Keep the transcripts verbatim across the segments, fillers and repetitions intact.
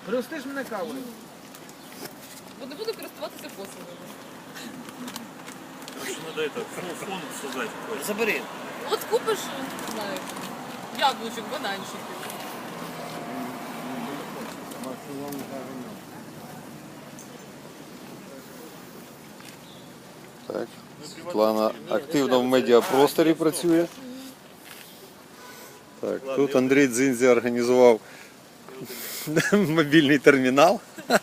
Пригостиш мене кавою? Бо не буду користуватися послугами. Короче, надо это, фон создать какой-то. Забери. От купиш, не знаю, яблучок, бананчиків. Так, Світлана активно в медіапросторі працює. Так, тут Андрій Дзинзі організував мобільний термінал.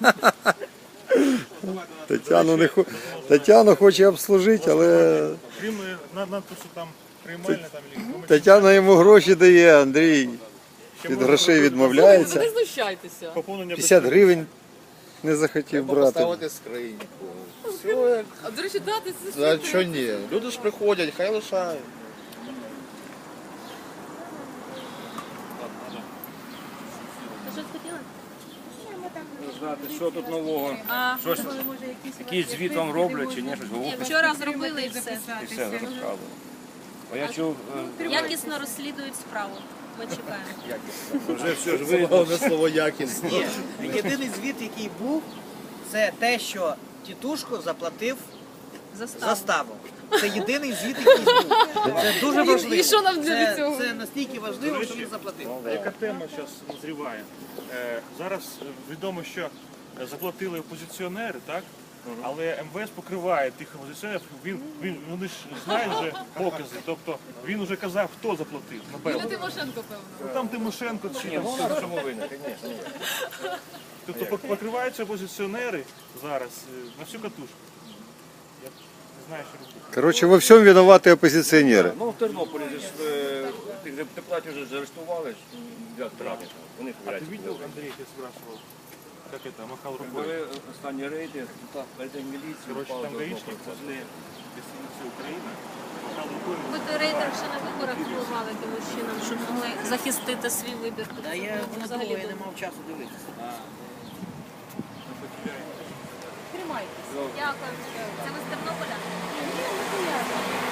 Тетяну, не хо... Тетяну хоче обслужити, але Крім е, на- надпису там приймальне там или Тетяна йому гроші дає, Андрій від грошей Ви відмовляється. не знущайтеся. поповнення п'ятдесят гривень не захотів брати. Поставити скриньку. Все як. А, до речі, дати це За що ні? Люди ж приходять, хай лишають. Знати, що тут нового, А, щось, якийсь звіт вам роблять чи ні, щось говорять, Вчора зробили і все. і все розказували. А я чув, е, Якісно розслідують справу. Ми чекаємо. вже все ж видно. Головне слово якість. Ні. Єдиний звіт, який був, це те, що тітушко заплатив Заставу. заставу. Це єдиний звіт, який був. Це дуже І- важливо. і що нам для Це- цього? Це настільки важливо, що він заплатив. Яка тема зараз назріває? Е, зараз е, відомо, що заплатили опозиціонери, так? Але М В С покриває тих опозиціонерів, він, він, вони ж знають вже покази, тобто він вже казав, хто заплатив. Юлія Напевно. Тимошенко, певно. Ну, там Тимошенко чи Ні, там ну хто. вона в чому винна, звісно. Тобто пок- покриваються опозиціонери зараз е, на всю катушку. Я не знаю, що робити. Коротше, во всьому винуваті опозиціонери. Ну, в Тернополі же ж е, тих депутатів вже заарештували ж для втрати. Вони А ты видел, Андрей, я спрашивал, как это, махал рукой? Були останні рейди, рейди міліції, Короче, впали там до гаишник одного. возле гостиницы Украина махал рукой. Ви до рейтинг ще на виборах впливали тим чином, щоб могли захистити свій вибір. Та я Ну, не взагалі було, я не думаю. мав часу дивитися. Тримайтесь. Дякую. Це ви з Тернополя?